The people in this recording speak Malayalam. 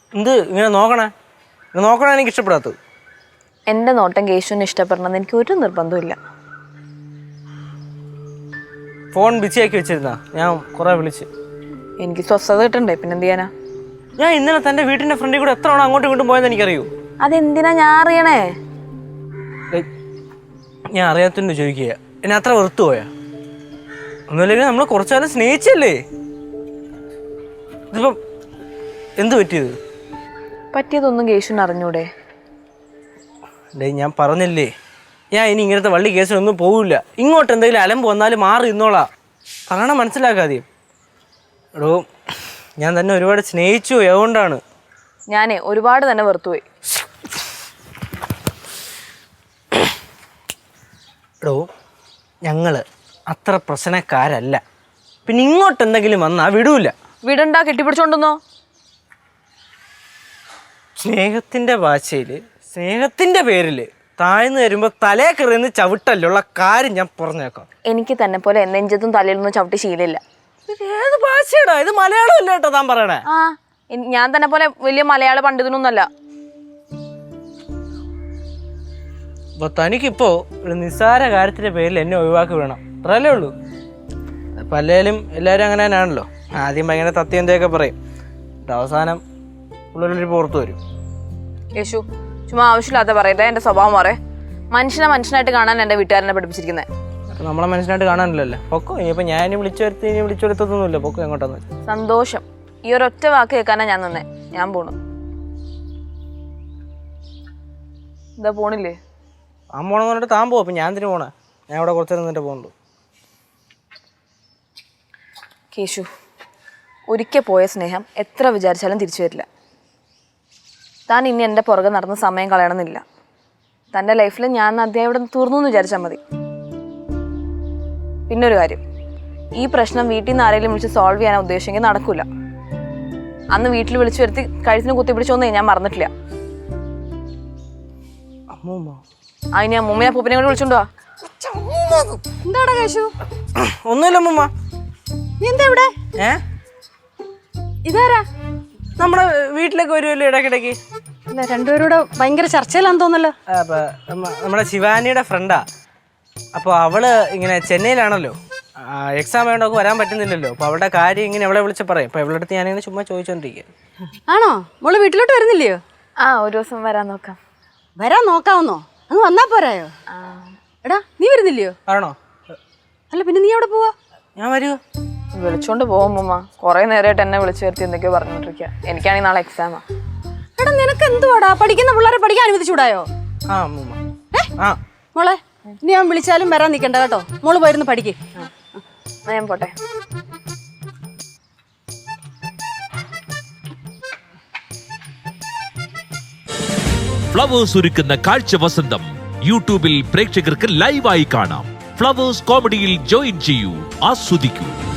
എന്ത് ഇങ്ങനെ നോക്കണേ? എനിക്ക് ഇഷ്ടപ്പെടാത്തത്. എൻ്റെ നോട്ടം കേശുവിന് ഇഷ്ടപ്പെടണമെന്ന് എനിക്ക് ഒരു നിർബന്ധമില്ല. ഫോൺ ബിസിയാക്കി വെച്ചിരുന്നാ? ഞാൻ കുറെ വിളിച്ച്. എനിക്ക് സ്വസ്ഥത കിട്ടണ്ടേ, പിന്നെ എന്ത് ചെയ്യാനാ? ഞാൻ ഇന്നലെ തൻ്റെ വീട്ടിൻ്റെ ഫ്രണ്ടിൽ കൂടെ എത്ര തവണ അങ്ങോട്ടും ഇങ്ങോട്ടും പോയെന്ന് എനിക്കറിയൂ. അതെന്തിനാ ഞാൻ അറിയണേ? ഞാൻ അറിയാത്തതിൻ്റെ ചോദിക്കുക. എന്നെ അത്ര വെറുത്തു പോയാ? ഒന്നുമില്ലെങ്കിൽ നമ്മൾ കുറച്ചാലും സ്നേഹിച്ചല്ലേ? ഇതിപ്പം എന്ത് പറ്റിയത്? പറ്റിയതൊന്നും കേശുവിന് അറിഞ്ഞൂടെ? ഞാൻ പറഞ്ഞില്ലേ, ഞാൻ ഇനി ഇങ്ങനത്തെ വള്ളി കേസിലൊന്നും പോവില്ല. ഇങ്ങോട്ട് എന്തെങ്കിലും അലമ്പ് വന്നാലും മാറി ഇന്നോളാം. പറയണം, മനസ്സിലാക്കാതെ. എടോ, ഞാൻ തന്നെ ഒരുപാട് സ്നേഹിച്ചു, അതുകൊണ്ടാണ്. ഞാനേ ഒരുപാട് തന്നെ വെറുത്തുപോയി. എടോ, ഞങ്ങള് അത്ര പ്രശ്നക്കാരല്ല. പിന്നെ ഇങ്ങോട്ട് എന്തെങ്കിലും വന്നാൽ വിടൂല. വിടണ്ട, കെട്ടിപ്പിടിച്ചോണ്ടെന്നോ? സ്നേഹത്തിൻ്റെ ഭാഷയിൽ, സ്നേഹത്തിൻ്റെ പേരിൽ താഴ്ന്നു വരുമ്പോൾ തലേ കയറിയെന്ന് ചവിട്ടല്ലുള്ള കാര്യം ഞാൻ പറഞ്ഞേക്കാം. എനിക്ക് തന്നെ പോലെ നെഞ്ചത്തും തലയിലൊന്നും ചവിട്ടി ശീലമില്ല. ഏത് ഭാഷയാടാ ഇത്? മലയാളം അല്ല കേട്ടോ താൻ പറയണേ. ഞാൻ തന്നെ പോലെ വലിയ മലയാള പണ്ഡിതനൊന്നല്ല. അപ്പൊ തനിക്കിപ്പോ ഒരു നിസ്സാര കാര്യത്തിന്റെ പേരിൽ എന്നെ ഒഴിവാക്കി വേണം, അത്രയല്ലേ ഉള്ളൂ. പല്ലേലും എല്ലാവരും അങ്ങനെ തന്നെയാണല്ലോ. ആദ്യം ഭയങ്കര തത്യന്തൊക്കെ പറയും, അവസാനം ഉള്ളൊരു പുറത്തു വരും. യേശു, ചുമ്മാ ആവശ്യമില്ലാത്ത പറയട്ടെ. എൻ്റെ സ്വഭാവം മാറേ. മനുഷ്യനായിട്ട് കാണാൻ എൻ്റെ വീട്ടുകാരനെ പഠിപ്പിച്ചിരിക്കുന്നത്. നമ്മളെ മനുഷ്യനായിട്ട് കാണാനില്ലല്ലോ. പൊക്കോ, ഇനിയിപ്പോൾ ഞാൻ വിളിച്ചു വരുത്തൊന്നുമില്ല. പൊക്കോ എങ്ങോട്ടാന്ന് വെച്ചാൽ. സന്തോഷം. ഈ ഒരൊറ്റ വാക്ക് കേൾക്കാനാ ഞാൻ നിന്നേ. ഞാൻ പോണു. എന്താ പോണില്ലേ? താൻ പോണെന്ന് പറഞ്ഞിട്ട് താൻ പോകും. അപ്പം ഞാൻ എന്തിനു പോണേ? ഞാൻ ഇവിടെ കുറച്ച് നിന്നിട്ട് പോകുന്നുള്ളൂ. കേശു, ഒരിക്കൽ പോയ സ്നേഹം എത്ര വിചാരിച്ചാലും തിരിച്ചു വരില്ല. താൻ ഇനി എൻ്റെ പുറകെ നടന്ന് സമയം കളയണമെന്നില്ല. തൻ്റെ ലൈഫിൽ ഞാൻ അധ്യായം ഇവിടെ തീർന്നു എന്ന് വിചാരിച്ചാൽ മതി. പിന്നൊരു കാര്യം, ഈ പ്രശ്നം വീട്ടിൽ നിന്ന് ആരെങ്കിലും വിളിച്ച് സോൾവ് ചെയ്യാൻ ഉദ്ദേശിച്ചെങ്കിൽ നടക്കില്ല. അന്ന് വീട്ടിൽ വിളിച്ചു വരുത്തി കഴുത്തിന് കുത്തിപ്പിടിച്ചോന്നേ ഞാൻ മറന്നിട്ടില്ല. അതിന് അമ്മൂമ്മയെ പൂപ്പിനെ കൂടി വിളിച്ചോണ്ടോ? എന്താടാ കേശു? ഒന്നുമില്ല അമ്മൂമ്മ. നീ എന്താ ഇവിടെ? ഇതാരാ? നമ്മുടെ വീട്ടിലേക്ക് വരുമല്ലോ ഇടയ്ക്കിടയ്ക്ക്. അല്ല, രണ്ടുപേരൂടെ ഭയങ്കര ചർച്ചയിലാന്ന് തോന്നല്ലോ. നമ്മുടെ ശിവാനിയുടെ ഫ്രണ്ടാ. അപ്പോൾ അവള് ഇങ്ങനെ ചെന്നൈയിലാണല്ലോ, എക്സാം വേണ്ടൊക്കെ വരാൻ പറ്റുന്നില്ലല്ലോ. അപ്പോൾ അവളുടെ കാര്യം ഇങ്ങനെ അവളെ വിളിച്ച് പറയും. അപ്പോൾ അവളുടെ അടുത്ത് ഞാനിങ്ങനെ ചുമ്മാ ചോദിച്ചോണ്ടിരിക്കുക. ആണോ? മോള് വീട്ടിലോട്ട് വരുന്നില്ലയോ? ഒരു ദിവസം വരാൻ നോക്കാം. വരാൻ നോക്കാവുന്നോ? അങ്ങ് വന്നാ പോരായോ? എടാ, നീ വരുന്നില്ലയോ? ആണോ? അല്ല, പിന്നെ നീ എവിടെ പോവാ? ഞാൻ വരുമോ? വിളിച്ചോണ്ട് പോകുമ്പോ കുറെ നേരമായിട്ട് എന്നെ വിളിച്ചു വരുത്തി എന്തൊക്കെയോ പറഞ്ഞോണ്ടിരിക്കുക. എനിക്കാണെങ്കിൽ നാളെ എക്സാമാ. എടാ, നിനക്ക് എന്തുവാടാ? പഠിക്കുന്ന പിള്ളേരെ പഠിക്കാൻ അനുവദിച്ചൂടായോ? മോളെ, ഇനി ഞാൻ വിളിച്ചാലും വരാൻ നിൽക്കണ്ട കേട്ടോ. മോള് പോയിരുന്നു പഠിക്ക്. ഞാൻ പോട്ടെ. ഫ്ലവേഴ്സ് ഒരുക്കുന്ന കാഴ്ച വസന്തം യൂട്യൂബിൽ പ്രേക്ഷകർക്ക് ലൈവായി കാണാം. ഫ്ലവേഴ്സ് കോമഡിയിൽ ജോയിൻ ചെയ്യൂ, ആസ്വദിക്കൂ.